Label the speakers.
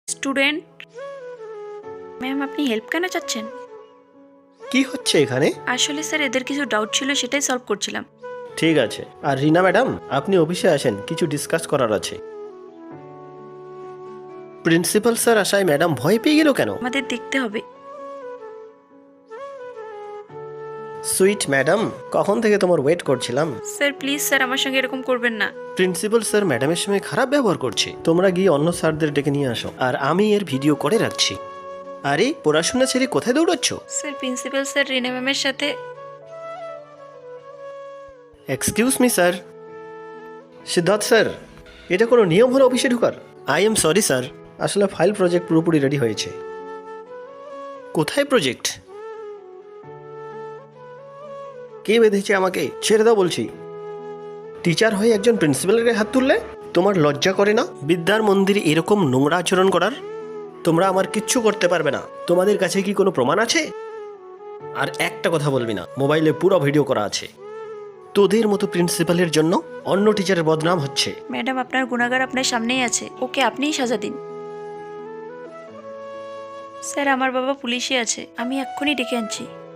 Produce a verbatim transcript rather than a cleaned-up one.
Speaker 1: Student ma'am, আপনি help কেন চাচ্ছেন?
Speaker 2: কি হচ্ছে এখানে?
Speaker 1: আসলে স্যার এদের কিছু ডাউট ছিল, সেটাই সলভ করছিলাম।
Speaker 2: ঠিক আছে। আর রিনা ম্যাডাম, আপনি অফিসে আসেন, কিছু ডিসকাস করার আছে। প্রিন্সিপাল স্যার আসায় ম্যাডাম ভয় পেয়ে গেল কেন?
Speaker 1: আমাদের দেখতে হবে।
Speaker 2: সুইট ম্যাডাম, কখন থেকে তোমার ওয়েট করছিলাম।
Speaker 1: স্যার প্লিজ স্যার, আমার সঙ্গে এরকম করবেন না।
Speaker 2: প্রিন্সিপাল স্যার ম্যাডামের সঙ্গে খারাপ ব্যবহার করছে। তোমরা গিয়ে অন্য স্যারদের ডেকে নিয়ে আসো, আর আমি এর ভিডিও করে রাখছি। আরে পড়াশোনা ছেড়ে কোথায় দৌড়াচ্ছ?
Speaker 1: স্যার প্রিন্সিপাল স্যার রিনা ম্যামের সাথে।
Speaker 2: Excuse me sir. Siddharth sir, এটা কোনো নিয়ম হলো অফিসে ঢোকার? আই এম সরি স্যার, আসলে ফাইল প্রজেক্ট পুরোপুরি রেডি হয়েছে। কোথায় প্রজেক্ট? কে বেঁধেছে আমাকে? ছেড়ে দাও বলছি। টিচার হয়ে একজন প্রিন্সিপালের গায়ে হাত তুললে তোমার লজ্জা করে না? বিদ্যার মন্দিরে এরকম নোংরা আচরণ করার? তোমরা আমার কিচ্ছু করতে পারবে না। তোমাদের কাছে কি কোনো প্রমাণ আছে? আর একটা কথা বলবি না, মোবাইলে পুরো ভিডিও করা আছে। তোদের মতো প্রিন্সিপালের জন্য অন্য টিচারের বদনাম হচ্ছে।
Speaker 1: ম্যাডাম, আপনার গুণাগার আপনার সামনেই আছে, ওকে আপনিই সাজা দিন। স্যার আমার বাবা পুলিশে আছে, আমি এক্ষুনি ডেকে আনছি।